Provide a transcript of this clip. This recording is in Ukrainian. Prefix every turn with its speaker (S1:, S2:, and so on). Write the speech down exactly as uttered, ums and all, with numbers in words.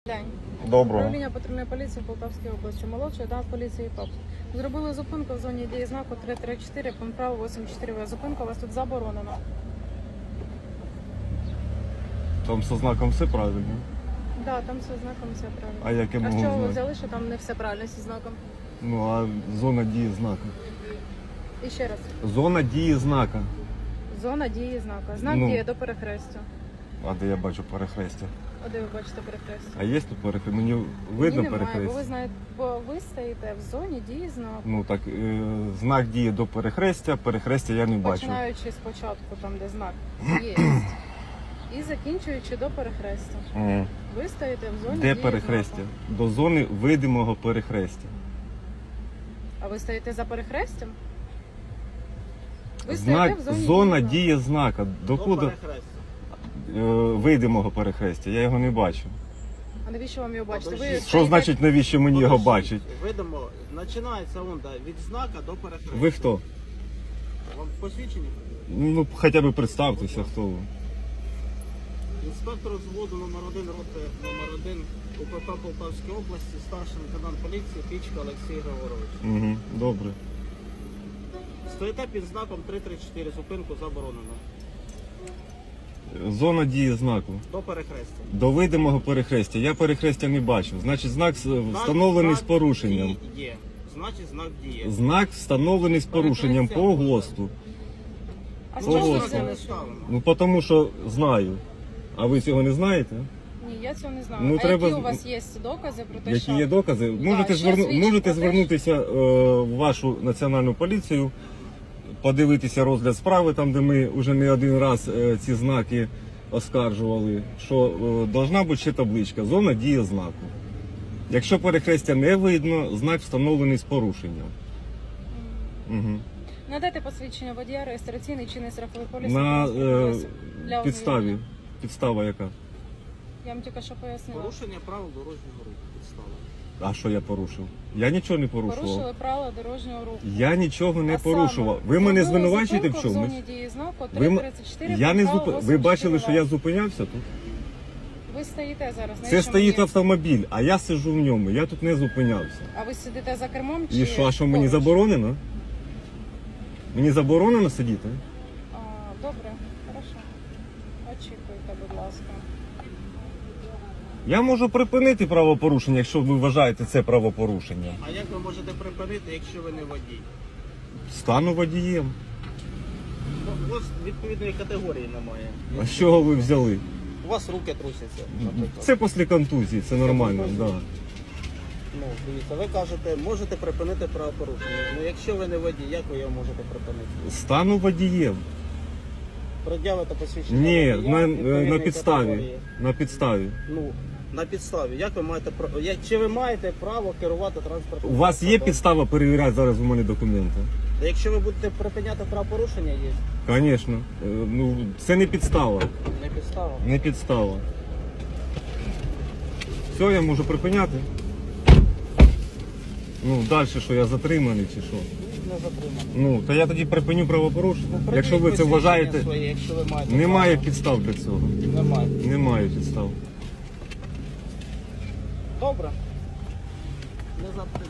S1: День.
S2: Доброго.
S1: Управління патрульної поліції в Полтавській області. Молодший да, поліції ПАП. Зробили зупинку в зоні дії знаку три три чотири, пункт право вісім чотири В. Зупинка у вас тут заборонена.
S2: Там со знаком все правильно.
S1: Так, да, там все знаком, все правильно.
S2: А як я
S1: А
S2: можу
S1: що ви
S2: знати?
S1: взяли, що там не все правильно зі знаком?
S2: Ну, а зона дії знака.
S1: І ще раз.
S2: Зона дії знака.
S1: Зона дії знака. Знак
S2: Ну.
S1: діє до перехрестя.
S2: А де я бачу перехрестя?
S1: А де ви бачите перехрестя?
S2: А є тут перехрестя? Мені
S1: Ні,
S2: видно
S1: немає, бо ви
S2: перехрестя?
S1: знаєте, бо ви стоїте в зоні дії знаку.
S2: Ну так, е, знак діє до перехрестя, перехрестя я не бачу.
S1: Починаючи спочатку, там де знак є, і закінчуючи до перехрестя.
S2: М.
S1: Ви стоїте в зоні
S2: Де
S1: дії
S2: перехрестя?
S1: знаку.
S2: До зони видимого перехрестя.
S1: А ви стоїте за перехрестям? Ви
S2: Знак,
S1: стоїте в зоні
S2: зона
S1: дії знаку.
S2: дії знака. Докуди е, видимого перехрестя? Я його не бачу.
S1: А навіщо вам його бачити? Ви
S3: Подождіть.
S2: Що
S1: стоїте-
S2: значить, навіщо мені його бачить?
S3: Видимо, починається он, да, від знака до перехрестя.
S2: Ви хто?
S3: Вам посвідчені?
S2: Ну, хоча б представтеся, хто ви.
S3: Інспектор взводу номер один роти номер один УПП Полтавської області, старший лейтенант поліції Пічка Олексій Григорович.
S2: Угу, добре.
S3: Стоїте під знаком три три чотири, зупинку заборонено.
S2: Зона дії знаку.
S3: До перехрестя.
S2: До видимого перехрестя. Я перехрестя не бачу. Значить, знак с- встановлений з
S3: Знак
S2: порушенням.
S3: дії Є. Значить, знак діє.
S2: Знак встановлений з порушенням по ГОСТу.
S1: А з
S2: Ну,
S1: чого ви
S2: ось.
S1: взяли,
S3: не
S1: що?
S3: ставимо.
S2: Ну, тому що знаю. А ви цього не знаєте?
S1: Ні, я цього не знаю.
S2: Ну,
S1: а
S2: треба-
S1: які у вас є докази про те,
S2: Які
S1: що...
S2: є докази? Можете,
S1: що
S2: зверну...
S1: свідчить
S2: Можете
S1: про те,
S2: звернутися е, в вашу національну поліцію, подивитися розгляд справи, там, де ми вже не один раз е, ці знаки оскаржували, що е, должна бути ще табличка «Зона дії знаку». Якщо перехрестя не видно, знак встановлений з порушенням. Угу.
S1: Надайте посвідчення водія, реєстраційний чинний страховий поліс.
S2: На
S1: транспортний
S2: е,
S1: засіб для
S2: підставі.
S1: ознайомлення.
S2: Підстава яка?
S1: Я вам тільки що пояснила.
S3: Порушення правил дорожнього руху. Підстава.
S2: А що я порушив? Я нічого не порушував.
S1: Порушили правила дорожнього руху.
S2: Я нічого не
S1: А саме,
S2: порушував. Ви мене
S1: зробили
S2: звинувачуєте в
S1: зупинку
S2: чомусь?
S1: В зоні дії знаку
S2: Ви,
S1: три
S2: м-
S1: тридцять чотири.
S2: я не
S1: пункт
S2: зуп...
S1: правил
S2: Ви бачили, що я
S1: вісім чотири
S2: зупинявся тут?
S1: Ви стоїте зараз.
S2: Це
S1: навіщо
S2: стоїть
S1: мені-
S2: автомобіль, а я сиджу в ньому. Я тут не зупинявся.
S1: А ви сидите за кермом чи
S2: І що, а що мені
S1: поруч?
S2: заборонено? Мені заборонено сидіти?
S1: А, добре, хорошо. Очікуйте, будь ласка.
S2: Я можу припинити правопорушення, якщо ви вважаєте це правопорушення.
S3: А як ви можете припинити, якщо ви не водій?
S2: Стану водієм.
S3: Ну, у вас відповідної категорії немає.
S2: А з чого ви взяли?
S3: У вас руки трусяться, наприклад.
S2: Це після контузії, це нормально.
S3: контузії?
S2: Да.
S3: Ну, дивіться, ви кажете, можете припинити правопорушення. Ну, якщо ви не водій, як ви його можете припинити?
S2: Стану водієм.
S3: Пред'явите посвідчення
S2: Ні,
S3: водія
S2: на,
S3: відповідної
S2: на підставі.
S3: категорії.
S2: На підставі.
S3: Ну, на підставі. Як ви маєте право? Як, чи ви маєте право керувати транспортом?
S2: У вас є підстава перевіряти зараз у мене документи?
S3: Якщо ви будете припиняти правопорушення, є.
S2: Звісно. Е, Ну, це не підстава.
S3: Не підстава.
S2: Не підстава. Все, я можу припиняти. Ну, далі що, я затриманий чи що?
S3: Не затримано.
S2: Ну, то я тоді припиню правопорушення.
S3: Ну,
S2: Якщо ви це
S3: припиніть
S2: вважаєте,
S3: посвідчення своє, якщо ви маєте
S2: немає
S3: право.
S2: підстав для цього.
S3: Немає.
S2: Немає підстав.
S3: Добре. Не за...